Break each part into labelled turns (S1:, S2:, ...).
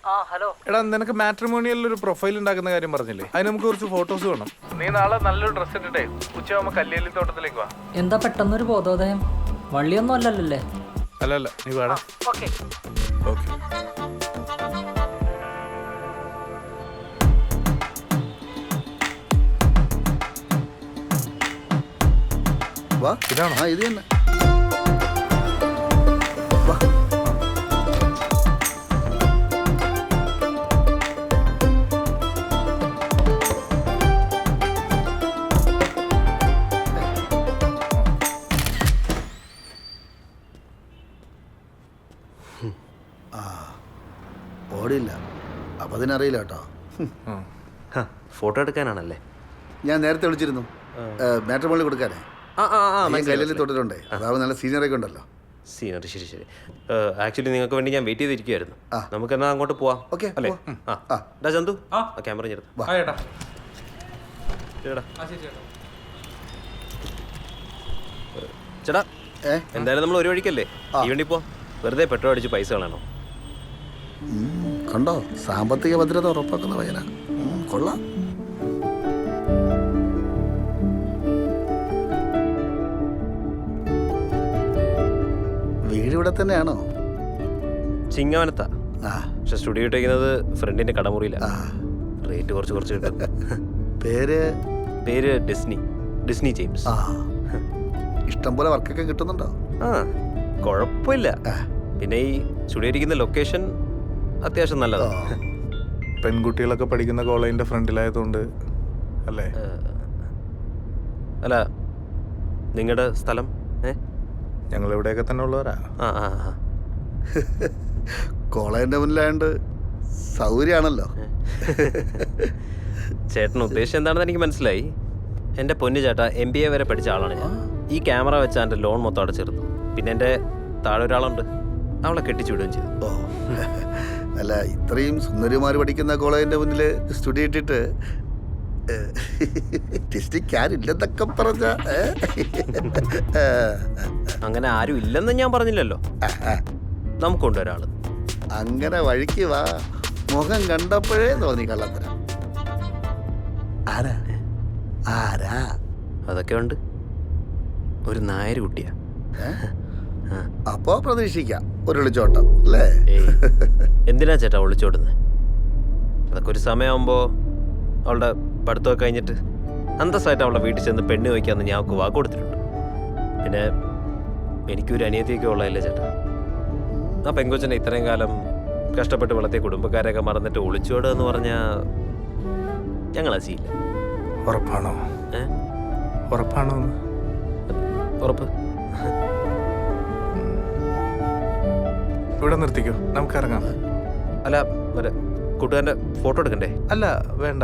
S1: എടാ നിനക്ക് മാട്രിമോണിയലിൽ ഒരു പ്രൊഫൈൽ ഉണ്ടാക്കുന്ന കാര്യം പറഞ്ഞില്ലേ, അതിന് നമുക്ക് കുറച്ച് ഫോട്ടോസ് വേണം. നീ നാളെ നല്ലൊരു ഡ്രസ് ഇട്ടിട്ടേ ഉച്ചയാകുമ്പോ കല്ലേലി തോട്ടത്തിലേക്ക് വാ.
S2: എന്താ പെട്ടെന്നൊരു ബോധോദയം? വള്ളിയൊന്നും അല്ലല്ലേ?
S1: അല്ല നീ വേടാ. ഓക്കെ.
S3: വാ ഇതാണോ? ഇത് തന്നെ. വാ ഓടില്ല. അപ്പം അതിനറിയില്ല കേട്ടോ.
S4: ഫോട്ടോ എടുക്കാനാണല്ലേ?
S3: ഞാൻ നേരത്തെ വിളിച്ചിരുന്നു മാട്രിമോണിയിൽ കൊടുക്കാനേ. കല്ലിൽ തൊട്ടിട്ടുണ്ടേ. അതാവുമ്പോൾ നല്ല സീനിയറൊക്കെ ഉണ്ടല്ലോ.
S4: സീനിയർ ശരി. ആക്ച്വലി നിങ്ങൾക്ക് വേണ്ടി ഞാൻ വെയിറ്റ് ചെയ്തിരിക്കുവായിരുന്നു. നമുക്ക് എന്നാൽ അങ്ങോട്ട് പോവാം.
S3: ഓക്കെ
S4: അല്ലേ? ഡാ ചന്തു, ക്യാമറ ചേർത്ത് ചേട്ടാ. എന്തായാലും നമ്മൾ ഒരു വഴിക്കല്ലേ, ഈ വണ്ടി പോ. വെറുതെ പെട്രോൾ അടിച്ച് പൈസ കളയണോ?
S3: കണ്ടോ, സാമ്പത്തിക ഭദ്രത ഉറപ്പാക്കുന്ന പയ്യനാ. കൊള്ളാം. വീട് ഇവിടെ തന്നെയാണോ?
S4: ചിങ്ങവനത്താ. പക്ഷെ സ്റ്റുഡിയോ ഇട്ടേക്കുന്നത് ഫ്രണ്ടിന്റെ കടമുറിയില്ല. റേറ്റ് കുറച്ച് കിട്ടും. പേര് ഡിസ്നി ജെയിംസ്.
S3: ഇഷ്ടം പോലെ വർക്കൊക്കെ കിട്ടുന്നുണ്ടോ?
S4: കുഴപ്പമില്ല. പിന്നെ ഈ സ്റ്റുഡിയോ ഇരിക്കുന്ന ലൊക്കേഷൻ അത്യാവശ്യം നല്ലതാണ്.
S1: പെൺകുട്ടികളൊക്കെ പഠിക്കുന്ന കോളേജിന്റെ ഫ്രണ്ടിലായതുകൊണ്ട് അല്ലേ?
S4: അല്ല, നിങ്ങളുടെ സ്ഥലം?
S1: ഞങ്ങൾ ഇവിടെയൊക്കെ തന്നെ ഉള്ളവരാ.
S3: കോളേജിന്റെ മുന്നിലായോണ്ട് സൗകര്യമാണല്ലോ.
S4: ചേട്ടൻ ഉദ്ദേശം എന്താണെന്ന് എനിക്ക് മനസ്സിലായി. എൻ്റെ പൊന്നു ചേട്ടാ, MBA വരെ പഠിച്ച ആളാണ് ഞാൻ. ഈ ക്യാമറ വെച്ചാൽ എൻ്റെ ലോൺ മൊത്തം അടച്ചിരുന്നു. പിന്നെ എൻ്റെ താഴെ ഒരാളുണ്ട്, അവളെ കെട്ടിച്ചു വിടുകയും ചെയ്തു.
S3: അല്ല, ഇത്രയും സുന്ദരിമാർ പഠിക്കുന്ന കോളേജിന്റെ മുന്നിൽ സ്റ്റുഡിയോ ഇട്ടിട്ട് ില്ലെന്നൊക്കെ പറഞ്ഞ
S4: അങ്ങനെ ആരും ഇല്ലെന്ന് ഞാൻ പറഞ്ഞില്ലല്ലോ. നമുക്കുണ്ട് ഒരാള്.
S3: അങ്ങനെ വഴിക്ക് വാ. മുഖം കണ്ടപ്പോഴേ തോന്നി കള്ളത്തരം. ആരാ?
S4: അതൊക്കെ ഉണ്ട്. ഒരു നായർ കുട്ടിയാ.
S3: അപ്പോ പ്രതീക്ഷിക്കാം ഒരു ഒളിച്ചോട്ടം അല്ലേ?
S4: എന്തിനാ ചേട്ടാ ഒളിച്ചോടുന്നത്? അതൊക്കെ ഒരു സമയമാകുമ്പോൾ അവളുടെ പഠിത്തമൊക്കെ കഴിഞ്ഞിട്ട് അന്തസ്സായിട്ട് അവളുടെ വീട്ടിൽ ചെന്ന് പെണ്ണ് വയ്ക്കാമെന്ന് ഞാൻ അവൾക്ക് വാക്ക് കൊടുത്തിട്ടുണ്ട്. പിന്നെ എനിക്കൊരു അനിയത്തിയൊക്കെ ഉള്ളതല്ലേ ചേട്ടാ. ആ പെങ്കൊച്ചനെ ഇത്രയും കാലം കഷ്ടപ്പെട്ട് വളർത്തിയ കുടുംബക്കാരെയൊക്കെ മറന്നിട്ട് ഒളിച്ചോടുക എന്ന് പറഞ്ഞാൽ ഞങ്ങൾ അസിയില്ല.
S1: ഉറപ്പാണോ? ഉറപ്പാണോ?
S4: ഉറപ്പ്.
S1: ഇവിടെ നിർത്തിക്കോ, നമുക്ക് ഇറങ്ങാം.
S4: അല്ല, മറ്റേ കൂട്ടുകാരൻ്റെ ഫോട്ടോ എടുക്കണ്ടേ?
S1: അല്ല വേണ്ട.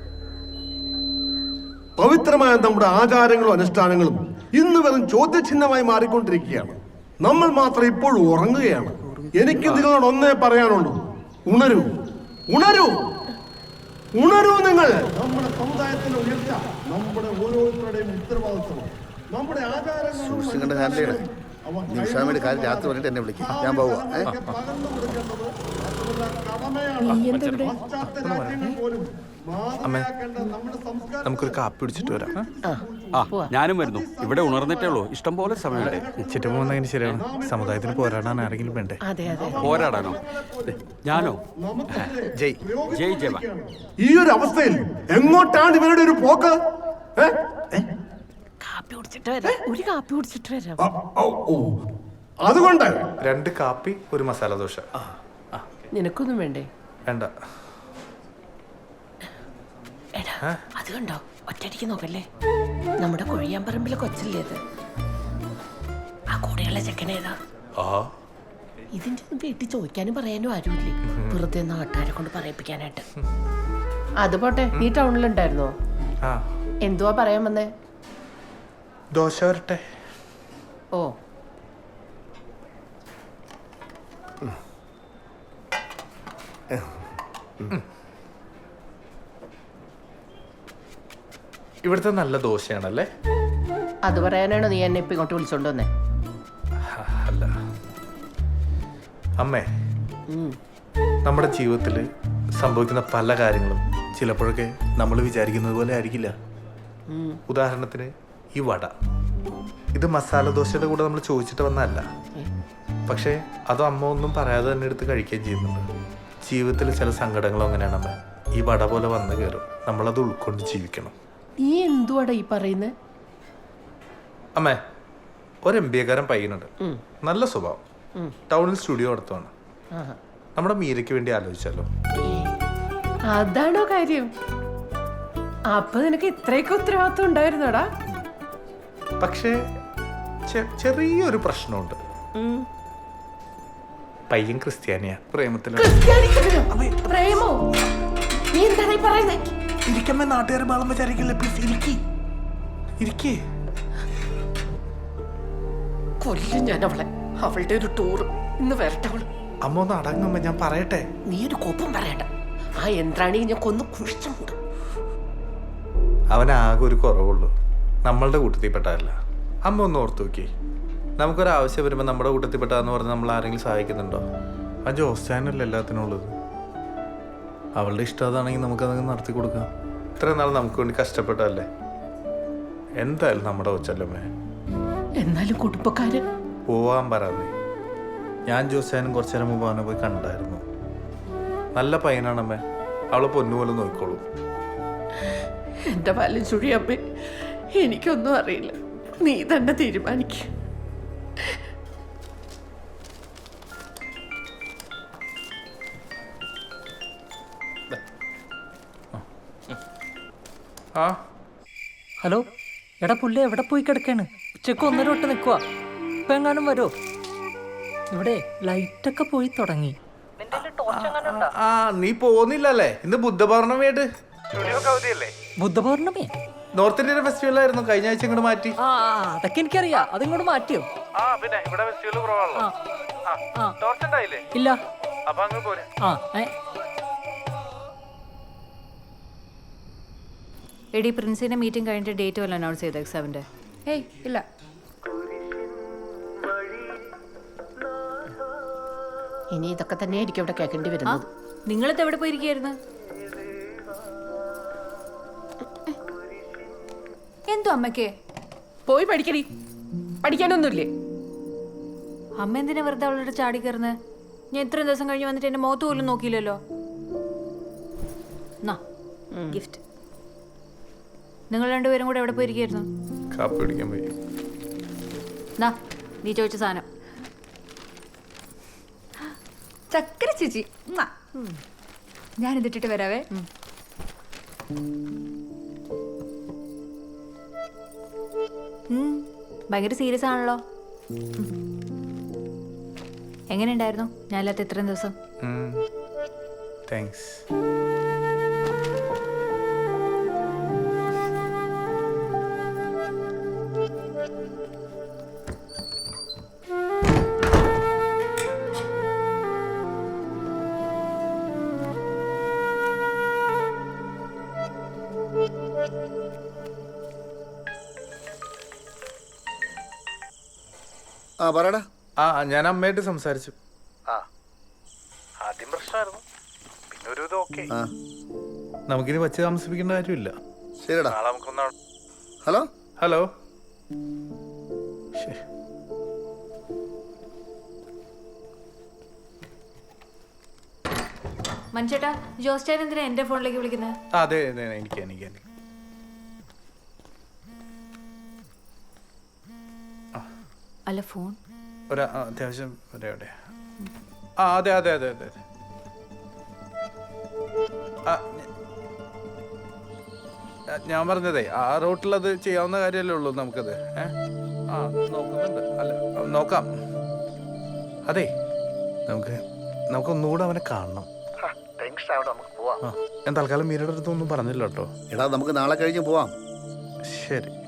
S5: പവിത്രമായ നമ്മുടെ ആചാരങ്ങളും അനുഷ്ഠാനങ്ങളും ഇന്ന് വെറും ചോദ്യചിഹ്നമായി മാറിക്കൊണ്ടിരിക്കുകയാണ്. നമ്മൾ മാത്രം ഇപ്പോൾ ഉറങ്ങുകയാണ്. എനിക്ക് നിങ്ങളോട് ഒന്നേ പറയാനുള്ളൂ, ഉണരൂ, ഉണരൂ, ഉണരൂ. നിങ്ങൾ നമ്മുടെ സമുദായത്തിന്റെ ഉയർച്ച നമ്മുടെ ഓരോരുത്തരുടെയും ഉത്തരവാദിത്വമാണ്. നമ്മുടെ ആചാരങ്ങളും
S3: നിമിഷാമയുടെ കാര്യം രാത്രി പറഞ്ഞിട്ട് എന്നെ വിളിക്കും. ഞാൻ പോവാ.
S1: അമ്മേ, നമുക്കൊരു കാപ്പി പിടിച്ചിട്ട് വരാം.
S6: ഞാനും വരുന്നു. ഇവിടെ ഉണർന്നിട്ടേ ഉള്ളൂ, ഇഷ്ടം പോലെ സമയമുണ്ട്.
S1: ചുറ്റും പോകുന്നതിന് ശരിയാണ്. സമുദായത്തിന് പോരാടാൻ ആരെങ്കിലും വേണ്ടേ?
S6: പോരാടാനോ? ഞാനോ?
S1: ജയ്
S6: ജയ് ജവ.
S5: ഈ ഒരു അവസ്ഥയിൽ എങ്ങോട്ടാണ് ഇവരുടെ ഒരു പോക്ക്? അതുകൊണ്ട്
S1: 2 കാപ്പി, 1 മസാല ദോശ.
S7: നിനക്കൊന്നും വേണ്ടേ?
S1: വേണ്ട.
S7: അത് കണ്ടോ, ഒറ്റയടിക്ക് നോക്കല്ലേ. നമ്മുടെ കൊഴിയാമ്പറമ്പിലെ കൊച്ചല്ലേ അത്? ആ കൂടെയുള്ള ചെക്കനേതാ? ഇതിന്റെ ഒന്നും വീട്ടിൽ ചോദിക്കാനും പറയാനും ആരുമില്ലേ, വെറുതെ നാട്ടുകാരെ കൊണ്ട് പറയിപ്പിക്കാനായിട്ട്. അത് പോട്ടെ, നീ ടൗണിലുണ്ടായിരുന്നോ? എന്തുവാ പറയാൻ വന്നേ?
S1: ദോശ വരട്ടെ.
S7: ഓ,
S1: ഇവിടുത്തെ നല്ല ദോശയാണല്ലേ?
S7: അത് പറയാനാണോ നീ എന്നെ ഇപ്പൊ ഇങ്ങോട്ട് വിളിച്ചോണ്ട് വന്നേ?
S1: അല്ല അമ്മേ, നമ്മുടെ ജീവിതത്തിൽ സംഭവിക്കുന്ന പല കാര്യങ്ങളും ചിലപ്പോഴൊക്കെ നമ്മൾ വിചാരിക്കുന്നത് പോലെ ആയിരിക്കില്ല. ഉദാഹരണത്തിന് ഈ വട, ഇത് മസാല ദോശയുടെ കൂടെ നമ്മൾ ചോദിച്ചിട്ട് വന്നതല്ല. പക്ഷേ അത് അമ്മ ഒന്നും പറയാതെ തന്നെ എടുത്ത് കഴിക്കുകയും ചെയ്യുന്നുണ്ട്. ജീവിതത്തിൽ ചില സങ്കടങ്ങളും അങ്ങനെയാണ് അമ്മ. ഈ വട പോലെ വന്നു കയറും, നമ്മളത് ഉൾക്കൊണ്ട് ജീവിക്കണം.
S7: നീ എന്തുവാടാ ഈ പറയുന്നത്?
S1: അമ്മേ, ഒരു MBA കാരൻ പയ്യനുണ്ട്, നല്ല സ്വഭാവം, ടൗണിൽ സ്റ്റുഡിയോ നടത്തുവാണ്. നമ്മുടെ മീരയ്ക്ക് വേണ്ടി ആലോചിച്ചാലോ?
S7: അതാണോ കാര്യം? അപ്പൊ നിനക്ക് ഇത്രയൊക്കെ ഉത്തരവാദിത്വം ഉണ്ടായിരുന്നോടാ?
S1: പക്ഷേ ചെറിയൊരു പ്രശ്നമുണ്ട്. പയ്യൻ ക്രിസ്ത്യാനിയാ, പ്രേമത്തിലാണ്.
S7: പ്രേമോ? നീ എന്താണ് ഈ പറയുന്നത്?
S1: ഇരിക്കമ്മേ, നാട്ടുകാരെ ബാളം വിചാരിക്കില്ല. പ്ലീസ് ഇരിക്കേ.
S7: കൊല്ലും ഞാൻ അവളെ. അവളുടെ ഒരു ടൂർ ഇന്ന് വരട്ടെ അവള്.
S1: അമ്മ ഒന്ന് അടങ്ങുമ്പോ ഞാൻ പറയട്ടെ.
S7: നീ ഒരു കോപ്പം പറയണ്ട. ആ യന്ത്രാണി ഞാൻ കൊന്നു കുഴിച്ചു മൂടും.
S1: അവനാകെ ഒരു കുറവുള്ളൂ, നമ്മളുടെ കൂട്ടത്തിൽപ്പെട്ടതല്ല. അമ്മ ഒന്ന് ഓർത്ത് നോക്കി, നമുക്കൊരാവശ്യം വരുമ്പോൾ നമ്മുടെ കൂട്ടത്തിൽപ്പെട്ടതെന്ന് പറഞ്ഞ് നമ്മൾ ആരെങ്കിലും സഹായിക്കുന്നുണ്ടോ? ആ ജോസ്റ്റാനല്ലേ എല്ലാത്തിനും ഉള്ളത്. അവളുടെ ഇഷ്ടം അതാണെങ്കിൽ നമുക്കതങ്ങ് നടത്തി കൊടുക്കാം. ഇത്രയും നാൾ നമുക്ക് വേണ്ടി കഷ്ടപ്പെട്ടതല്ലേ. എന്തായാലും നമ്മുടെ കൊച്ചല്ലമ്മേ.
S7: എന്നാലും കുടുംബക്കാരൻ
S1: പോവാൻ പറയാതെ. ഞാൻ ജോസ്റ്റാനും കുറച്ചു നേരം മുമ്പ് അവനെ പോയി കണ്ടായിരുന്നു. നല്ല പയ്യനാണമ്മേ, അവളെ പൊന്നുപോലെ നോക്കിക്കോളൂ.
S7: എന്റെ പാലും ചുഴിയമ്മേ, എനിക്കൊന്നും അറിയില്ല. നീ തന്നെ തീരുമാനിക്ക.
S1: ആ
S2: ഹലോ, എടാ പുള്ളി എവിടെ പോയി കിടക്കാണ്? ഉച്ചക്ക് 1:30 തൊട്ട് നിൽക്കുക. ഇപ്പം എങ്ങാനും വരോ? ഇവിടെ ലൈറ്റൊക്കെ പോയി തുടങ്ങി.
S1: ആ നീ പോകുന്നില്ലല്ലേ? ഇന്ന് ബുദ്ധപൗർണമിയായിട്ട്
S2: ബുദ്ധപൗർണമി
S1: നോർത്ത് ഇന്ത്യൻ ഫെസ്റ്റിവൽ ആയിരുന്നു, കഴിഞ്ഞ ആഴ്ച ഇങ്ങോട്ട് മാറ്റി.
S2: അതൊക്കെ എനിക്കറിയാം. അതിങ്ങോട്ട് മാറ്റിയോ?
S1: പിന്നെ ഇവിടെ ഫെസ്റ്റിവൽ കുറവാണല്ലോ.
S2: ഇല്ല.
S1: അപ്പൊ അങ്ങ് പോരെ.
S8: എടി, പ്രിൻസിന്റെ മീറ്റിംഗ് കഴിഞ്ഞിട്ട് ഡേറ്റ് വല്ല അനൗൺസ് ചെയ്ത എക്സാമിന്റെ?
S9: ഏയ് ഇല്ല.
S7: ഇനി ഇതൊക്കെ തന്നെയായിരിക്കും ഇവിടെ കേൾക്കേണ്ടി വരുന്നത്.
S8: നിങ്ങളിത് എവിടെ പോയിരിക്കായിരുന്നു?
S9: എന്തോ അമ്മയ്ക്ക്
S7: പോയി പഠിക്കടി. പഠിക്കാനൊന്നുമില്ലേ?
S8: അമ്മ എന്തിനാ വെറുതെ അവളോട് ചാടി കയറുന്നത്? ഞാൻ ഇത്രയും ദിവസം കഴിഞ്ഞ് വന്നിട്ട് എന്റെ മുഖത്ത് പോലും നോക്കിയില്ലല്ലോ. ഗിഫ്റ്റ്. നിങ്ങൾ രണ്ടുപേരും കൂടെ എവിടെ പോയിരിക്കായിരുന്നു?
S1: കാപ്പി കുടിക്കാൻ പോയി.
S8: നീ ചോദിച്ച സാധനം.
S9: ചക്കര ചേച്ചി, ഞാൻ ഇതിട്ടിട്ട് വരാവേ.
S8: ഭയങ്കര സീരിയസ് ആണല്ലോ. എങ്ങനെയുണ്ടായിരുന്നു ഞാനില്ലാത്ത ഇത്രയും ദിവസം?
S1: താങ്ക്സ്.
S3: ആ പറയടാ.
S1: ഞാൻ അമ്മയായിട്ട് സംസാരിച്ചു. ആദ്യം പ്രശ്നമായിരുന്നു, പിന്നെ ഒരു ഇത് ഓക്കെ. നമുക്കിനി വച്ച് താമസിപ്പിക്കേണ്ട കാര്യമില്ല.
S3: ശരിടാ.
S1: നാളെ നമുക്കൊന്ന്.
S3: Hello
S1: hello.
S8: മനുഷ്യേട്ടാ, ജോസ്റ്റാൻ എന്തിനാ എന്റെ ഫോണിലേക്ക് വിളിക്കുന്നത്?
S1: അതെ അതെ, എനിക്ക്
S8: അല്ല, ഫോൺ
S1: ഒരു അത്യാവശ്യം എവിടെ? അതെ അതെ അതെ അതെ അതെ. ഞാൻ പറഞ്ഞതേ, ആ റൂട്ടിലത് ചെയ്യാവുന്ന കാര്യമല്ലേ ഉള്ളൂ നമുക്കത്. നോക്കുന്നുണ്ട്. അല്ല, നോക്കാം. അതെ, നമുക്കൊന്നുകൂടെ അവനെ കാണണം. ഞാൻ തൽക്കാലം മീരയുടെ അടുത്തൊന്നും പറഞ്ഞില്ല കേട്ടോ.
S3: എടാ, നമുക്ക് നാളെ കഴിഞ്ഞ് പോവാം.
S1: ശരി.